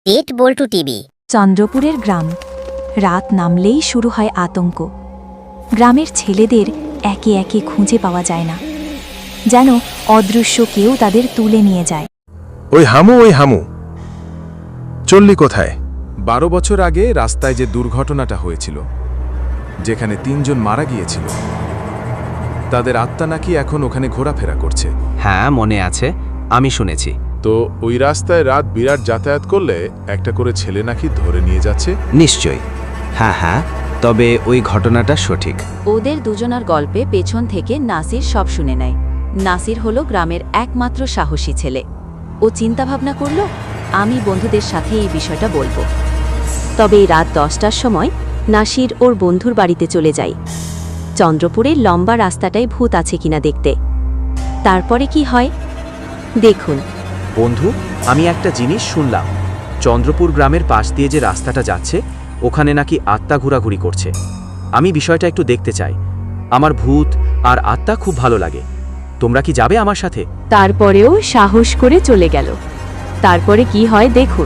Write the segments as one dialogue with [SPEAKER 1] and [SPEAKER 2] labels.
[SPEAKER 1] পেট বল্টু TV.
[SPEAKER 2] চন্দ্রপুরের গ্রাম। রাত নামলেই শুরু হয় আতঙ্ক। গ্রামের ছেলেদের একে একে খুঁজে পাওয়া যায় না, যেন অদৃশ্য কেউ তাদের তুলে নিয়ে যায়।
[SPEAKER 3] ওই হামু চললি কোথায়? 12 বছর আগে রাস্তায় যে দুর্ঘটনাটা হয়েছিল, যেখানে 3 জন মারা গিয়েছিল, তাদের আত্মা নাকি এখন ওখানে ঘোরাফেরা করছে।
[SPEAKER 4] হ্যাঁ, মনে আছে, আমি শুনেছি।
[SPEAKER 3] তো ওই রাস্তায় রাত বিরাট যাতায়াত করলে একটা করে ছেলে নাকি ধরে নিয়ে যাচ্ছে।
[SPEAKER 4] নিশ্চয়ই। হ্যাঁ, তবে ওই ঘটনাটা সঠিক।
[SPEAKER 5] ওদের দুজনার গল্পে পেছন থেকে নাসির সব শুনে নেয়। নাসির হলো গ্রামের একমাত্র সাহসী ছেলে। ও চিন্তাভাবনা করল, আমি বন্ধুদের সাথে এই বিষয়টা বলবো। তবে এই রাত 10টার সময় নাসির ওর বন্ধুর বাড়িতে চলে যায়, চন্দ্রপুরের লম্বা রাস্তাটায় ভূত আছে কিনা দেখতে। তারপরে কি হয় দেখুন।
[SPEAKER 4] বন্ধু, আমি একটা জিনিস শুনলাম, চন্দ্রপুর গ্রামের পাশ দিয়ে যে রাস্তাটা যাচ্ছে, ওখানে নাকি আত্মা ঘোরাঘুরি করছে। আমি বিষয়টা একটু দেখতে চাই। আমার ভূত আর আত্মা খুব ভালো লাগে। তোমরা কি যাবে আমার সাথে?
[SPEAKER 5] তারপরেও সাহস করে চলে গেল। তারপরে কি হয় দেখুন।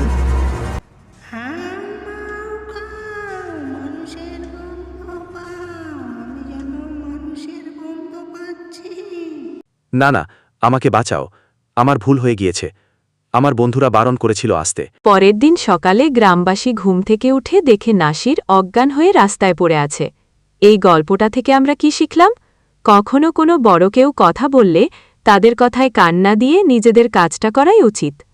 [SPEAKER 4] না, আমাকে বাঁচাও, আমার ভুল হয়ে গিয়েছে। আমার বন্ধুরা বারণ করেছিল আসতে।
[SPEAKER 5] পরের দিন সকালে গ্রামবাসী ঘুম থেকে উঠে দেখে নাসির অজ্ঞান হয়ে রাস্তায় পড়ে আছে। এই গল্পটা থেকে আমরা কি শিখলাম? কখনো কোনো বড় কেউ কথা বললে তাদের কথায় কান না দিয়ে নিজেদের কাজটা করাই উচিত।